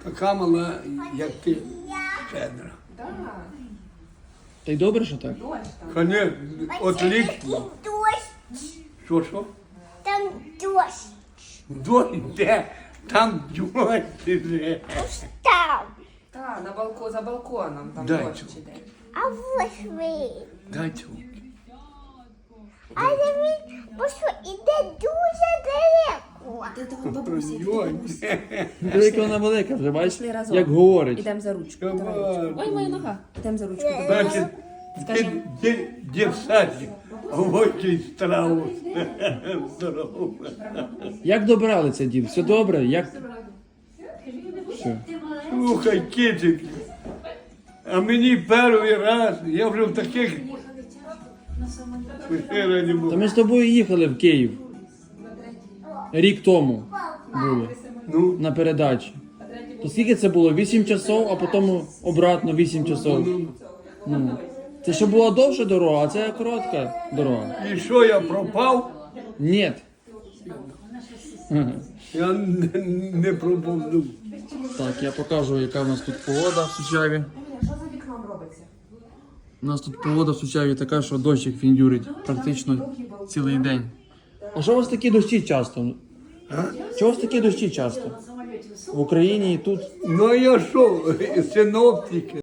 така мала, як ти, щедра. Та й добре, що так? Конечно, отлично. Дощ. Що? Там дощ. Дощ де? Там дощ іде. Ось там. Так, за балконом там Дай дощ цю. іде. А ось ви. Дай цю. Але він просто іде дуже далеко. Ти до бабусі. Ой, Диви, яка вона велика вже, бачиш? Пішли разом. Як говорить. Ідемо за ручку. Давай. Давай ручку. Ой, моя нога. Ідемо за ручку. Значить, Скажем. дід садик, а ось страву. Здорово. Як добралися, дід? Все добре? Як? Все. Слухай, кицик, а мені перший раз, я вже в таких ефірах не Та був. ми з тобою їхали в Київ. Рік тому були Ну, на передачі. То скільки це було? 8 часов, а потім обратно 8 часов. Ну. Це ще була довша дорога, а це коротка дорога. і що я пропав? Ні. Я не пропав. Так, я покажу, яка в нас тут погода в Сучаві. Що за вікном робиться? У нас тут погода в Сучаві така, що дощик фіндюрить практично цілий день. А що у вас такі дощі часто? Чого у вас такі дощі часто? В Україні і тут. Ну а я що, синоптики.